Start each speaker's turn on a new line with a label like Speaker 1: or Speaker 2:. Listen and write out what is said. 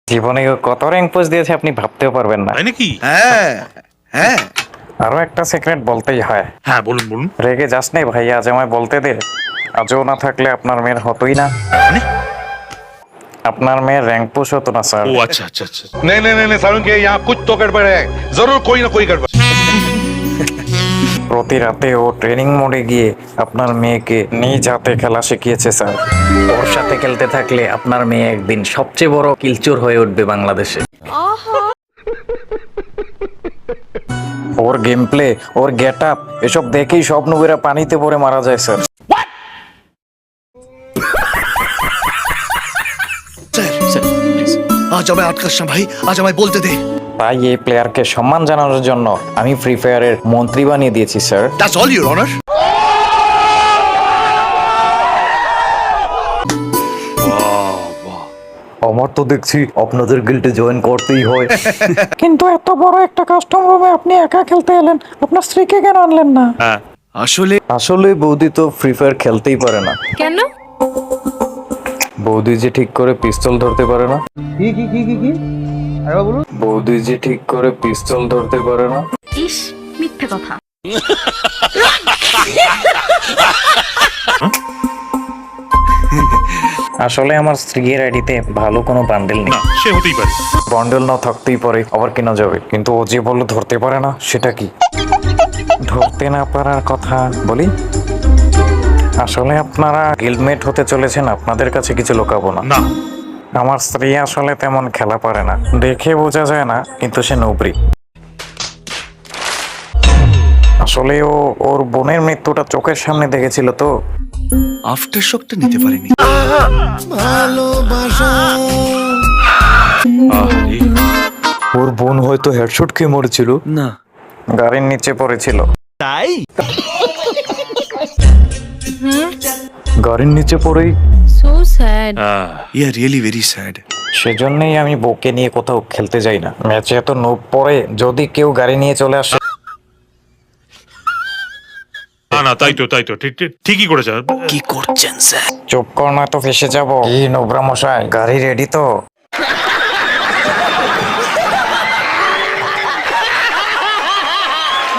Speaker 1: জীবনে ও কত rank post দিয়েছে আপনি ভাবতেও পারবেন না।
Speaker 2: তাই নাকি?
Speaker 3: হ্যাঁ হ্যাঁ
Speaker 1: আরো একটা সিক্রেট বলতেই হয়।
Speaker 2: হ্যাঁ, বলুন বলুন।
Speaker 1: রেগে যাস নাই ভাইয়া, আজ আমায় বলতে দে। আজও না থাকলে আপনার মেয়ের হতোই না।
Speaker 2: মানে?
Speaker 1: আপনার মেয়ের র্যাঙ্ক পুশ হতো না স্যার।
Speaker 2: ও আচ্ছা আচ্ছা আচ্ছা।
Speaker 4: नहीं नहीं नहीं नहीं सारुण के यहाँ कुछ तो गड़बड़ है, जरूर कोई ना कोई गड़बड़।
Speaker 1: প্রতি রাতে ও ট্রেনিং মোডে গিয়ে আপনার মেয়েকে নিজ হাতে খেলা শিখিয়েছে স্যার। ওর সাথে খেলতে থাকলে আপনার মেয়ে একদিন সবচেয়ে বড় কিলচোর হয়ে উঠবে বাংলাদেশে। ওর গেম প্লে, ওর গেট আপ, এসব দেখেই সব নবীরা পানিতে পড়ে মারা যায় স্যার।
Speaker 3: স্যার প্লিজ আজ আমায় আটকাস না ভাই, আজ আমায় বলতে দে।
Speaker 1: তাই এই প্লেয়ারকে সম্মান জানানোর জন্য আমি ফ্রি ফায়ারের মন্ত্রী বানিয়ে দিয়েছি sir.
Speaker 3: That's all your honour.
Speaker 1: আমার তো দেখছি আপনাদের গিল্ডে জয়েন করতেই হয়। কিন্তু এত বড় একটা কাস্টম রুমে আপনি একা খেলতে এলেন, আপনার স্ত্রীকে কেন আনলেন না?
Speaker 2: হ্যাঁ,
Speaker 1: আসলে বৌদি তো ফ্রি ফায়ার খেলতেই পারে না।
Speaker 5: কেন?
Speaker 1: বৌদি যে ঠিক করে পিস্তল ধরতে পারে না। বৌদি যে ঠিক করে পিস্তল ধরতে পারে না।
Speaker 5: ইস, মিথ্যে কথা।
Speaker 1: আসলে আমার স্ত্রীর আইডিতে ভালো কোনো বান্ডেল নেই।
Speaker 2: না সে হতেই পারে।
Speaker 1: বান্ডেল না থাকতেই পারে, আবার কেনা যাবে, কিন্তু ও যে বললো ধরতে পারে না, সেটা কি? ধরতে না পারার কথা বলি। আসলে আপনারা গিল্ডমেট হতে চলেছেন, আপনাদের কাছে কিছু লুকাবো না।
Speaker 2: না,
Speaker 1: আমার স্ত্রী আসলে তেমন খেলা পারে না, দেখে বোঝা যায় না, কিন্তু সে নবরি। আসলে ও ওর বোনের মৃত্যুটা চোখের সামনে দেখেছিল তো।
Speaker 3: আফটার শকটা নিতে পারিনি।
Speaker 2: আরে
Speaker 1: ওর বোন হয়তো হেডশট খেয়ে মরেছিল,
Speaker 3: না
Speaker 1: গাড়ির নিচে পড়েছিল।
Speaker 3: তাই
Speaker 1: গাড়ির নিচে পড়েই
Speaker 5: so sad.
Speaker 3: Yeah really very sad.
Speaker 1: সেজন্যই আমি বউকে নিয়ে কোথাও খেলতে যাই না। ম্যাচে এত নোব পড়ে, যদি কেউ গাড়ি নিয়ে চলে আসে।
Speaker 2: না না, তাই তো ঠিকই করেছে।
Speaker 3: কি করছেন স্যার?
Speaker 1: চুপ কর, নয়তো ফেসে যাবো। কি নোবরা মশাই, গাড়ি রেডি তো?